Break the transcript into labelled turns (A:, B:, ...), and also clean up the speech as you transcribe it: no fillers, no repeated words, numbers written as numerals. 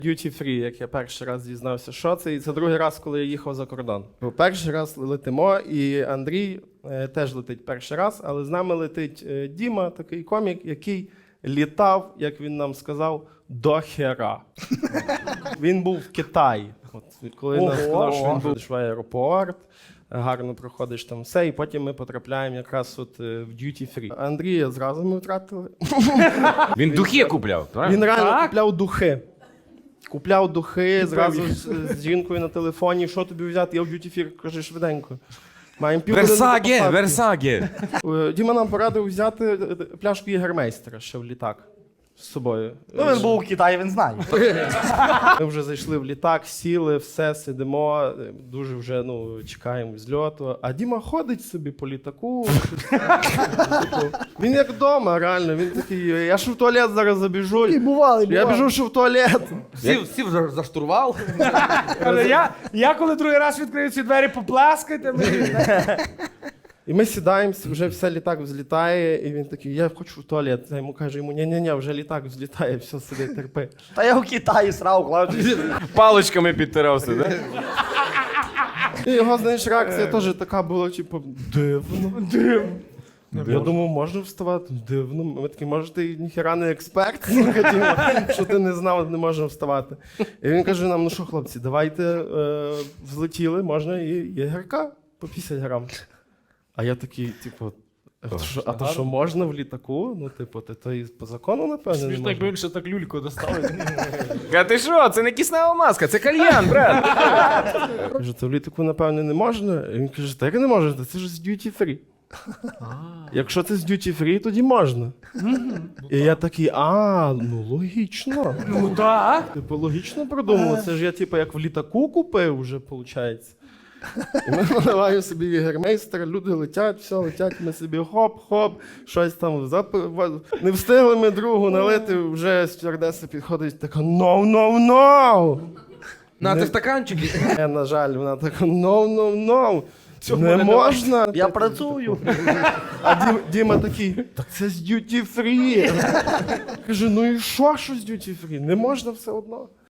A: Duty Free, як я перший раз дізнався, що це. І це другий раз, коли я їхав за кордон. Бо перший раз летимо, і Андрій теж летить перший раз, але з нами летить Діма, такий комік, який літав, як він нам сказав, до хера. Він був в Китаї. От, коли він нам сказав, що він був в аеропорт, гарно проходиш там все, і потім ми потрапляємо якраз от в Duty Free. Андрія зразу ми втратили.
B: Він духи купляв, правильно?
A: Він реально купляв духи. Купляв духи, зразу з жінкою на телефоні. Що тобі взяти? Я в Duty Free, кажи швиденько. Маємо
B: Версаге, Версаге.
A: Діма нам порадив взяти пляшку Єгермейстера ще в літак з собою.
C: Ну, він був у Китаї, він знає.
A: Ми вже зайшли в літак, сіли, все, сидимо, дуже вже чекаємо зльоту. А Діма ходить собі по літаку. Він як вдома, реально. Він такий, я ж в туалет зараз забіжу. Я біжу ще в туалет.
D: Сів за штурвал.
E: Я коли другий раз відкрию ці двері, поплескайте мені.
A: І ми сідаємо, вже все літак взлітає, і він такий, я хочу в туалет. Я йому кажу, ні, вже літак взлітає, все, сиди, терпи.
C: Та я у Китаї срав, клавчі.
B: Паличками підтирався, так?
A: І його, знаєш, реакція теж така була, типу, дивно. Я думав, можна вставати? Дивно. Ми такі, може, ти ніхера не експерт, що ти не знав, не можна вставати. І він каже нам, ну що, хлопці, давайте взлетіли, можна і єгерка по 50 грам. А я такий, типу, а то що можна в літаку? Ну, типу, то і по закону, напевно, не
E: Смішно,
A: можна.
E: якби він ще так люльку доставив.
B: А ти що? Це не киснева маска, це кальян, брат.
A: Кажу, то в літаку, напевно, не можна. І він каже, так не можна, це ж з Duty Free. Якщо це з Duty Free, тоді можна. І я такий, ну логічно.
E: Ну так.
A: Типу, логічно продумав. Це ж я, типу, як в літаку купив вже, виходить. І ми наливаємо собі Єгермейстер, люди летять, все, летять, ми собі хоп-хоп, щось там, не встигли ми другу налити, вже стюардеса підходить, така, no.
D: На, ти стаканчики.
A: На жаль, вона така, no. Не можна.
C: Я працюю.
A: А Діма такий, так це з Duty Free. Каже, ну і що з Duty Free? Не можна все одно.